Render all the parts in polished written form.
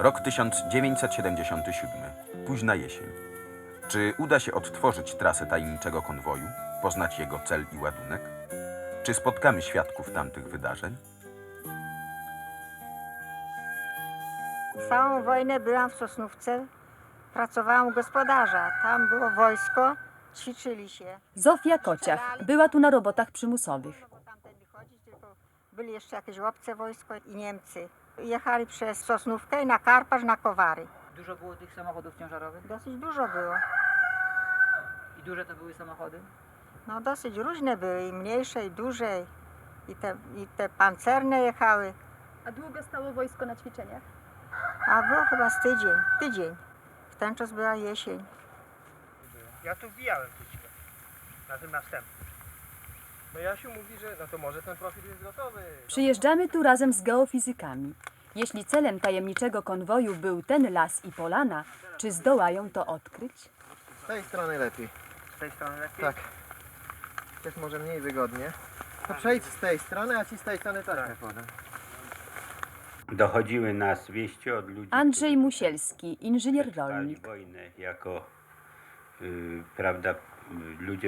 Rok 1977. Późna jesień. Czy uda się odtworzyć trasę tajemniczego konwoju, poznać jego cel i ładunek? Czy spotkamy świadków tamtych wydarzeń? Całą wojnę byłam w Sosnówce, pracowałam u gospodarza. Tam było wojsko, ćwiczyli się. Zofia Kociach była tu na robotach przymusowych. Bo tamtędy chodzić, tylko byli jeszcze jakieś obce wojsko i Niemcy. Jechali przez Sosnówkę i na Karpacz, na Kowary. Dużo było tych samochodów ciężarowych? Dosyć dużo było. I duże to były samochody? No dosyć różne były, i mniejsze, i duże. I te pancerne jechały. A długo stało wojsko na ćwiczeniach? A było chyba z tydzień. W ten czas była jesień. Ja tu wbijałem tućkę na tym następnym. No Jasiu mówi, że no to może ten profil jest gotowy. Przyjeżdżamy tu razem z geofizykami. Jeśli celem tajemniczego konwoju był ten las i polana, czy zdołają to odkryć? Z tej strony lepiej. Z tej strony lepiej? Tak. Jest może mniej wygodnie. To przejdź z tej strony, a ci z tej strony tak podam. Dochodziły nas wieści od ludzi, Andrzej którzy Musielski, inżynier przetrwali rolnik. wojnę jako prawda, ludzie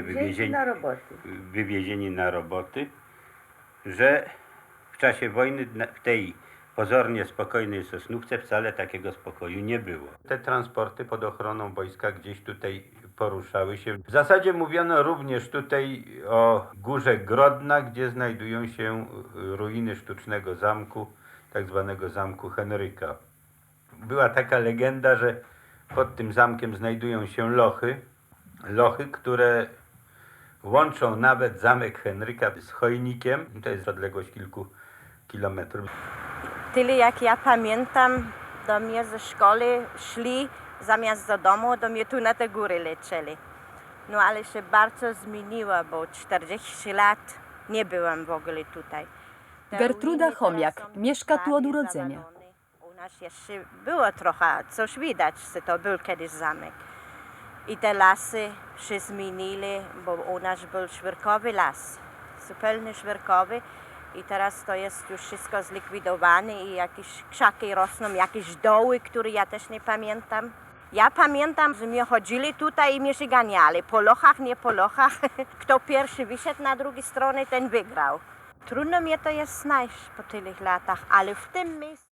wywiezieni na roboty, że w czasie wojny w tej pozornie spokojnej Sosnówce wcale takiego spokoju nie było. Te transporty pod ochroną wojska gdzieś tutaj poruszały się. W zasadzie mówiono również tutaj o Górze Grodna, gdzie znajdują się ruiny sztucznego zamku, tak zwanego Zamku Henryka. Była taka legenda, że pod tym zamkiem znajdują się lochy, które łączą nawet Zamek Henryka z Chojnikiem. To jest odległość kilku kilometrów. Tyle jak ja pamiętam, do mnie ze szkoły szli zamiast do domu, do mnie tu na te góry lecieli. No ale się bardzo zmieniło, bo 40 lat nie byłam w ogóle tutaj. Te Gertruda ruiny Chomiak teraz są mieszka tu od prawie urodzenia. zawalone. U nas jeszcze było trochę, coś widać, że to był kiedyś zamek. I te lasy się zmienili, bo u nas był świerkowy las, zupełnie świerkowy. I teraz to jest już wszystko zlikwidowane i jakieś krzaki rosną, jakieś doły, które ja też nie pamiętam. Ja pamiętam, że mnie chodzili tutaj i mnie się ganiali. Po lochach, nie po lochach. Kto pierwszy wyszedł na drugiej stronie, ten wygrał. Trudno mnie to jest znaleźć po tylu latach, ale w tym miejscu...